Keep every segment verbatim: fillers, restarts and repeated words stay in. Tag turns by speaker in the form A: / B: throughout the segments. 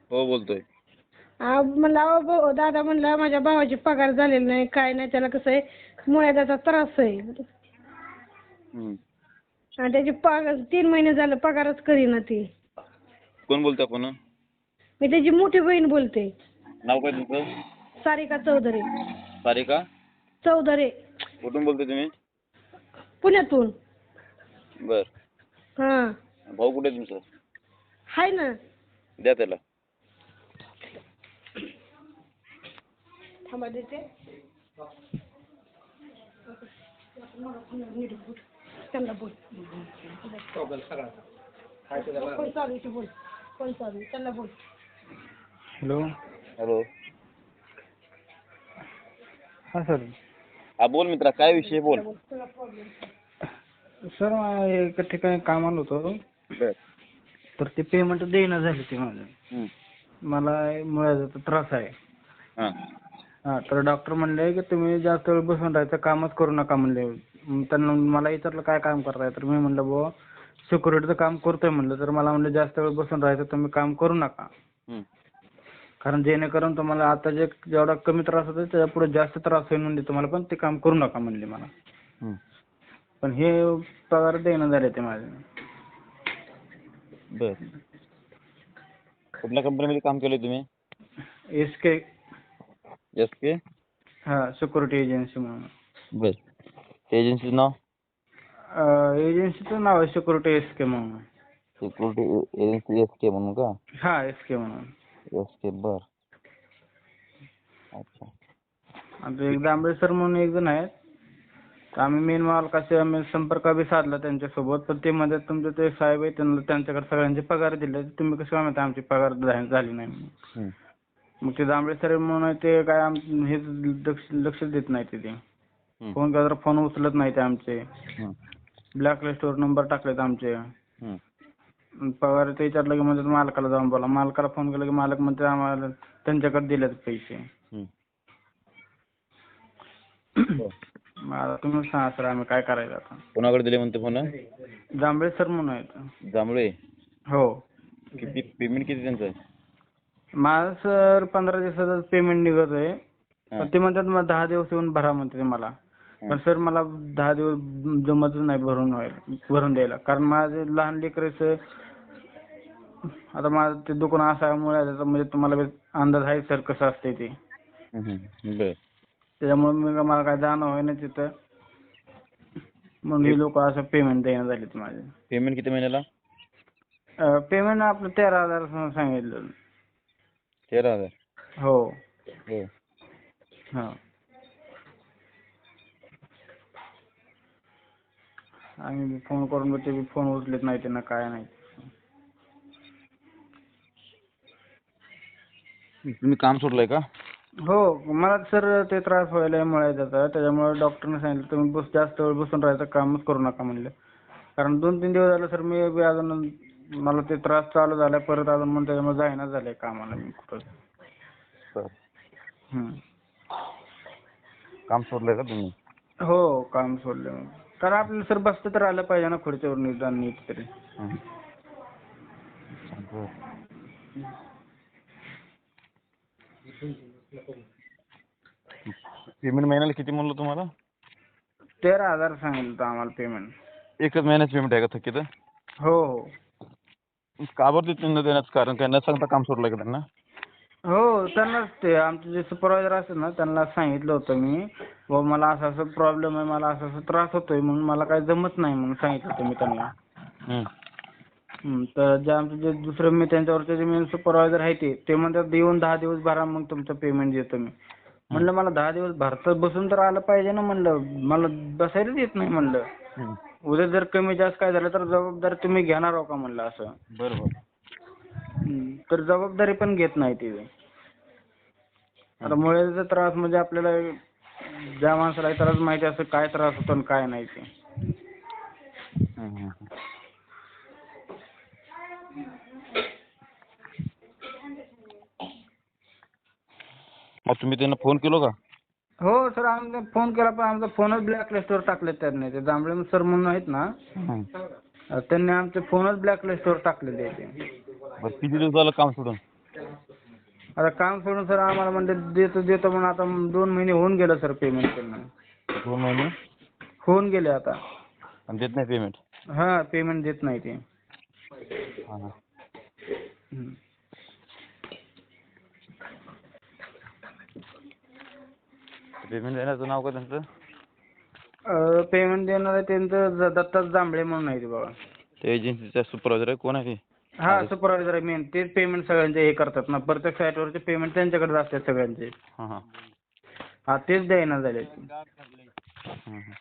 A: हो बोलतोय.
B: आ, म्हणलं अहो भाऊ दादा म्हणलं माझ्या भावाची पगार झालेली नाही काय नाही त्याला कसं आहे मुळ्याचा त्रास आहे
A: हम्म.
B: आणि त्याची पगार तीन महिने झालं पगारच करीना ती.
A: कोण बोलतोय आपण?
B: मी त्याची मोठी बहीण बोलते.
A: नाव काय तुमचं?
B: सारिका चौधरी.
A: सारिका
B: चौधरी.
A: कुठून बोलतोय तुम्ही?
B: पुण्यातून.
A: बर.
B: हां.
A: भाऊ कुठे आहे तुमचा?
B: हाय ना.
A: द्या त्याला.
B: थांबा देते. त्यांना बोल. कोण चालू आहे ते बोल. कोण चालू आहे त्यांना बोल.
C: हॅलो.
A: हॅलो.
C: हा सर.
A: हा बोल मित्रा, काय विषय बोल.
C: सर मला एका ठिकाणी कामाला होतो.
A: बर.
C: तर ते पेमेंट देणं झाले ते माझं.
A: हम्म.
C: मला मुळ्याचा त्रास आहे.
A: हा.
C: हा तर डॉक्टर म्हणले की तुम्ही जास्त वेळ बसून राहायचं कामच करू नका म्हणले. मग त्यांना मला विचारलं काय काम करताय तर मी म्हणलं बुवा सिक्युरिटीचं काम करतोय म्हणलं. तर मला म्हणलं जास्त वेळ बसून राहायचं तुम्ही काम करू नका.
A: हम्म.
C: कारण जेणेकरून तुम्हाला आता जे जेवढा कमी त्रास होतो त्याच्या पुढे जास्त त्रास होईल म्हणजे तुम्हाला पण ते काम करू नका म्हणले मला.
A: हम्म.
C: पण हे पगार देणं झाले ते माझे.
A: बर. कुठल्या कंपनीमध्ये काम केलंय तुम्ही?
C: S K.
A: S K.
C: हा सिक्युरिटी एजन्सी म्हणून.
A: बर. एजन्सीचं नाव?
C: एजन्सीचं नाव आहे सिक्युरिटी एस के म्हणून.
A: सिक्युरिटी एजन्सी एस के म्हणून का?
C: हा एस के म्हणून.
A: S K. बर. अच्छा.
C: आमचे एक दांबळे सर म्हणून एक जण आहेत. तर आम्ही मेन मालकाशी आम्ही संपर्क बी साधला त्यांच्यासोबत. पण ते मध्ये तुमचे ते साहेब आहेत त्यांना त्यांच्याकडे सगळ्यांचे पगार दिले. तुम्ही कसं काय म्हणता आमची पगार झाली नाही म्हणून.
A: हम्म.
C: मग ते दांबळे सर म्हणून ते काय आम हे लक्ष लक्ष देत नाही ते.
A: हम्म.
C: फोन केला तर फोन उचलत नाही ते आमचे.
A: हम्म.
C: ब्लॅक लिस्टवर नंबर टाकलेत आमचे.
A: हम्म.
C: पगार ते विचारलं की म्हणजे मालकाला जाऊन बोला. मालकाला फोन केला की मालक म्हणते आम्हाला त्यांच्याकडे दिलेत पैसे.
A: हम्म.
C: मग आता तुम्ही सांगा सर आम्ही काय करायचं आता.
A: कोणाकडे दिले म्हणते फोन?
C: जांभळे सर म्हणून आहेत.
A: जांभळे.
C: हो.
A: किती पेमेंट किती त्यांचं?
C: माझं सर पंधरा दिवसाचं पेमेंट निघत आहे.
A: हा.
C: पण ते म्हणतात मग दहा दिवस येऊन भरा म्हणते मला. पण सर मला दहा दिवस जमतच नाही भरून व्हायला भरून द्यायला. कारण माझे लहान लेकराचं आता माझं ते दुकान असल्यामुळे म्हणजे तुम्हाला अंदाज आहे सर कसं असते ते.
A: हम्म. बर.
C: त्याच्यामुळे मी मला काय जाणं होईना तिथं. मग हे लोक असं पेमेंट देणं झाले माझे.
A: पेमेंट किती महिन्याला?
C: पेमेंट आपलं तेरा हजार सांगितलं.
A: तेरा हजार.
C: हो.
A: हो.
C: हा. आम्ही फोन करून ते बी फोन उचलत नाही त्यांना काय नाही.
A: तुम्ही काम सोडलंय का?
C: हो मला सर ते त्रास व्हायला मुळ्याचा त्याच्यामुळे डॉक्टरने सांगितलं तुम्ही बस जास्त वेळ बसून राहायचं कामच करू नका म्हणले. कारण दोन तीन दिवस झालं सर मी बी अजून मला ते त्रास चालू झाला परत अजून म्हणून त्याच्यामुळे जाईना झालंय कामाला मी कुठं.
A: बर.
C: हम्म.
A: काम सोडलंय का तुम्ही?
C: हो काम सोडलं मी. कारण आपल्याला सर बसतं तर आलं पाहिजे ना खुर्चीवर निदान नीट तरी.
A: पेमेंट महिन्याला किती म्हणलं तुम्हाला?
C: तेरा हजार सांगितलं आम्हाला पेमेंट.
A: एकच महिन्याचं पेमेंट आहे का थकीत?
C: हो हो.
A: का बरं देत न देण्याचं कारण काय न सांगता काम सोडलं का त्यांना?
C: हो त्यांनाच ते आमचे जे सुपरवायझर असतात ना त्यांना सांगितलं होतं मी व मला असा असा प्रॉब्लेम आहे मला असा असा त्रास होतोय म्हणून मला काय जमत नाही म्हणून सांगितलं होतं मी त्यांना. तर जे आमचे जे दुसरे मी त्यांच्यावरचे जे मेन सुपरवायझर आहे ते ते म्हणतात येऊन दहा दिवस भरा मग तुमचं पेमेंट देतो मी. म्हणलं मला दहा दिवस भरता बसून तर आलं पाहिजे ना म्हणलं मला बसायलाच येत नाही म्हणलं. उद्या जर कमी जास्त काय झालं तर जबाबदारी तुम्ही घेणार आहो का म्हणलं असं.
A: बरोबर.
C: तर जबाबदारी पण घेत नाही ते. आता मुळ्याचा त्रास म्हणजे आपल्याला ज्या माणसाला त्रास माहिती असं काय त्रास होतो आणि काय नाही ते.
A: मग तुम्ही त्यांना फोन केलो का?
C: हो सर आम्ही फोन केला पण आमचा फोनच ब्लॅक लिस्टवर टाकले त्यांनी. ते जांभळे सर म्हणून आहेत ना त्यांनी आमचे फोनच ब्लॅक लिस्टवर टाकलेले ते.
A: किती दिवस झालं काम सोडून?
C: आता काम सोडून सर आम्हाला म्हणते देतो देतो म्हणून आता दोन महिने होऊन गेलं सर पेमेंट करणं.
A: दोन महिने
C: होऊन गेले आता.
A: आणि देत नाही पेमेंट.
C: हा पेमेंट देत नाही ते.
A: हां हां.
C: हम्म.
A: पेमेंट देण्याचं नाव का त्यांचं?
C: पेमेंट देणार आहे त्यांचं ज- दत्ता जांभळे म्हणून आहे ते बाबा.
A: ते एजन्सीचा सुपरवायझर आहे कोण आहे ते?
C: हा सुपरवायझर आहे मेन. तेच पेमेंट सगळ्यांचे हे करतात ना. प्रत्येक साईटवरचे पेमेंट त्यांच्याकडेच असतात सगळ्यांचे.
A: हां हां.
C: हा तेच द्यायना झाले.
A: हं, हं.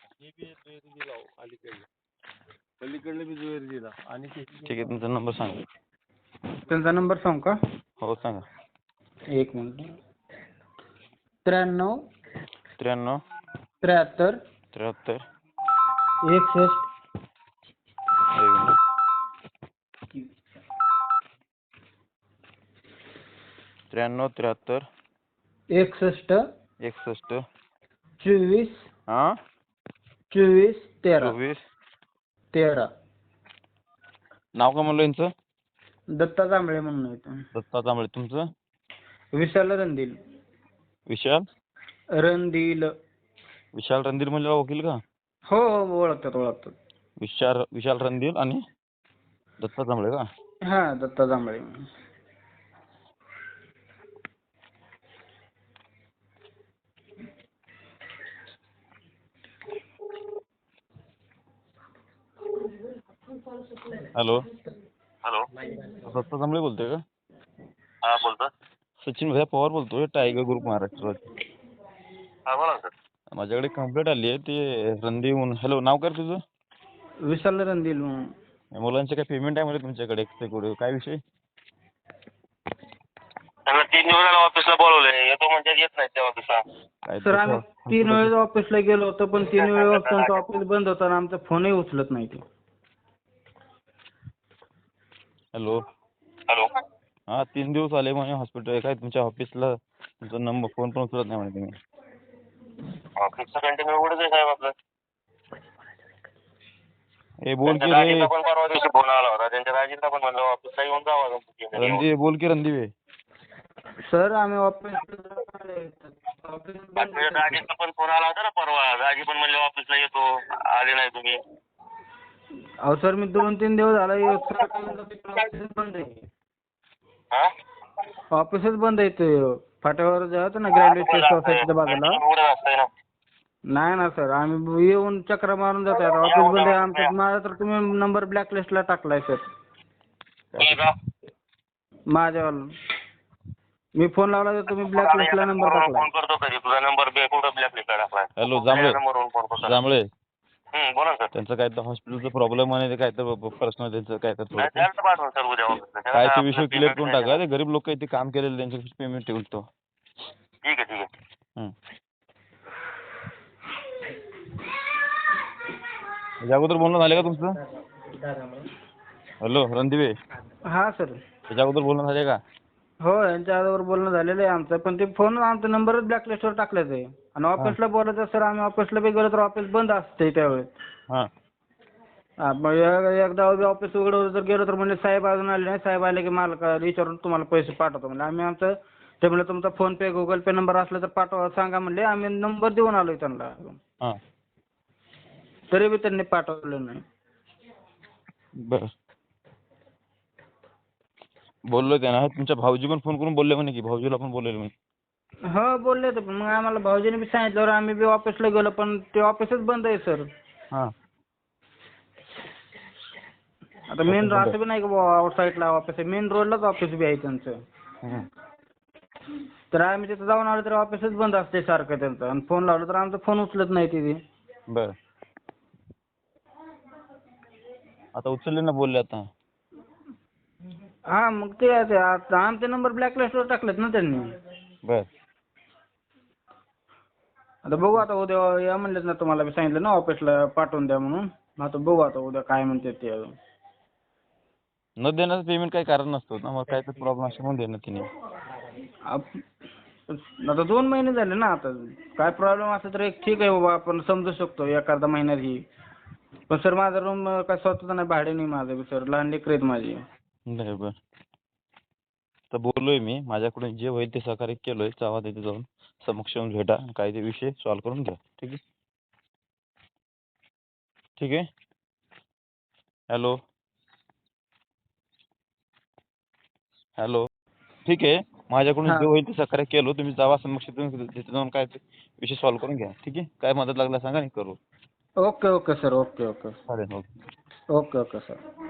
A: ठीक आहे तुमचा नंबर सांगा.
C: त्यांचा नंबर सांगू का?
A: हो सांगा.
C: एक मिनिट. त्र्याण्णव
A: त्र्याण्णव
C: त्र्याहत्तर
A: त्र्याहत्तर
C: एकसष्ट
A: एक मिनिट. त्र्याण्णव त्र्याहत्तर
C: एकसष्ट
A: एकसष्ट
C: चोवीस
A: हां
C: चोवीस तेरा
A: चोवीस
C: तेरा.
A: नाव का म्हणलं यांचं?
C: दत्ता जांभळे म्हणून आहे ते.
A: दत्ता जांभळे. तुमचं?
C: विशाल रणदिल.
A: विशाल
C: रणदिल.
A: विशाल रणधीर म्हणजे वकील का?
C: हो हो ओळखतात ओळखतात.
A: विशाल विशाल रणधीर आणि दत्ता जांभळे का?
C: हा दत्ता जांभळे.
A: Hello
D: hello.
A: दत्ता जांभळे बोलतोय का?
D: हा बोलतो.
A: सचिन भैया पवार बोलतोय टायगर ग्रुप महाराष्ट्र.
D: हा बोला ना सर.
A: माझ्याकडे कंप्लेंट आली आहे ते रणधीर म्हणून. हॅलो नाव काय तुझं?
C: विशाल रणदिल म्हणून.
A: मुलांचे काय पेमेंट आहे म्हणजे तुमच्याकडे काय विषय?
D: त्यांना तीन दिवस ऑफिसला बोलवलंय. येतो म्हणजे येत नाही त्या ऑफिसला.
A: काय
C: सर
A: ते
C: आम्ही
A: स-
C: तीन वेळेस ऑफिसला गेलो होतो पण तीन वेळेस त्यांचं ऑफिस बंद होतं आणि आमचा फोनही उचलत नाही ते.
A: Hello
D: hello.
A: हा तीन दिवस आले म्हणे हॉस्पिटल काय तुमच्या ऑफिसला तुमचा नंबर फोन पण उचलत नाही म्हणे तुम्ही.
D: ऑफिसचं कंटिन्यू उघडच आहे साहेब आपलं.
A: ए बोल की
D: त्यांच्या
A: रे
D: दाजीचा पण परवा दिवशी फोन आला होता. त्यांच्या दाजीला पण म्हणलं ऑफिसला येऊन जावा.
A: रणदीप बोल की रणदीप.
C: सर आम्ही ऑफिस
D: तुझ्या दाजीचा पण फोन आला होता ना परवा. दाजी पण म्हणले ऑफिसला येतो. आले नाही तुम्ही.
C: अहो सर मी दोन तीन दिवस झाला ऑफिसच बंद आहे.
D: हा
C: ऑफिसच बंद आहे ते फाट्यावर जे होतं ना ग्रॅज्युएट सोसायटीच्या बाजूला.
D: उघडच असतंय ना.
C: नाही ना सर आम्ही येऊन चक्र मारून जातो. आता ऑफिस बंद आहे आमचं. माझा तर तुम्ही नंबर ब्लॅकलिस्टला टाकलाय सर
D: तुम्ही का?
C: माझ्यावाला. मी फोन लावला तर तुम्ही ब्लॅकलिस्टला नंबर टाकलाय.
D: फोन करतो कधी तुझा नंबर कुठं ब्लॅकलिस्टला टाकलाय?
A: हॅलो जांभळे
D: नंबरवरून फोन करतो.
A: जांभळे
D: हं, बोला सर.
A: त्यांचं काय तर हॉस्पिटलचा प्रॉब्लेम आहे काय तर पर्सनल त्यांचं काय तर
D: नाही
A: थोडं
D: द्यायला पाठवून सर उद्या ऑफिसला.
A: काय ते विषय क्लिअर करून टाका. ते गरीब लोक इथे काम केलेले त्यांचे पेमेंट ठेवतो.
D: ठीक आहे ठीक आहे.
A: हं. याच्या अगोदर बोलणं झालं का तुमचं? हॅलो रणदीप.
C: हा सर.
A: याच्या अगोदर बोलणं झाले का?
C: हो यांच्या आजवर बोलणं झालेलं आहे आमचं पण ते फोन आमचा नंबरच ब्लॅकलिस्टवर टाकलाच आहे. आणि ऑफिसला बोलायचं सर आम्ही ऑफिसला बी गेलो तर ऑफिस बंद असते त्यावेळेस.
A: हां
C: हा मग एक- एकदा ऑफिस उघडं जर गेलो तर म्हणजे साहेब अजून आले नाही. साहेब आले की मालका विचारून तुम्हाला पैसे पाठवतो म्हणजे आम्ही आमचं ते म्हणलं तुमचा PhonePe Google Pay number असला तर पाठवा सांगा म्हणले. आम्ही नंबर देऊन आलोय त्यांना.
A: हां
C: तरी बी त्यांनी पाठवलं नाही.
A: बरं बोललो त्यांना. तुमच्या भाऊजी पण फोन करून बोलले म्हणे की भाऊजीला पण बोललेले म्हणे.
C: हो बोलले होते पण मग आम्हाला भाऊजीने बी सांगितल्यावर आम्ही बी ऑफिसला गेलो पण ते ऑफिसच बंद आहे सर.
A: हां
C: आता मेन असं बी नाही का आउट साईडला ऑफिस आहे. मेन रोडलाच ऑफिस बी आहे त्यांचं.
A: हं.
C: तर आम्ही तिथं जाऊन आलो तर ऑफिसच बंद असते सारखं त्यांचं. आणि फोन लावला तर आमचा फोन उचलत नाही तिथे.
A: बरं आता उचलले ना बोलले आता.
C: हा मग ते ते आता आमचे नंबर ब्लॅकलिस्टवर टाकलेत ना त्यांनी.
A: बरं
C: आता बघू आता उद्या या म्हणलेत ना तुम्हाला बी सांगितलं ना ऑफिसला पाठवून द्या म्हणून. आता बघू आता उद्या काय म्हणतात ते अजून.
A: न देण्याचं पेमेंट काही कारण नसतं ना. मग काय तर प्रॉब्लेम असं म्हणून देणं तिने.
C: आप- आता दोन महिने झाले ना आता. काय प्रॉब्लेम असला तर एक ठीक आहे बाबा आपण समजू शकतो एखादा महिन्यात ही. पण सर माझा रूम काय स्वतःचा नाही भाडे नाही माझं बी सर. लहान लेकरं आहेत माझी.
A: बरं बरं तर बोललोय मी, माझ्याकडून जे होईल ते सहकार्य केलोय. जावा तिथे जाऊन समक्ष येऊन भेटा, काय ते विषय सॉल्व्ह करून घ्या. ठीक आहे ठीक आहे. हॅलो हॅलो ठीक आहे. माझ्याकडून
C: हा
A: जे होईल ते सहकार्य केलं. तुम्ही जावा समक्ष येऊन तिथे जाऊन काय ते विषय सॉल्व्ह करून घ्या. ठीक आहे. काय मदत लागला सांगा, नाही करू.
C: Okay okay sir, okay okay
A: चालेल. ओके.
C: Okay okay sir.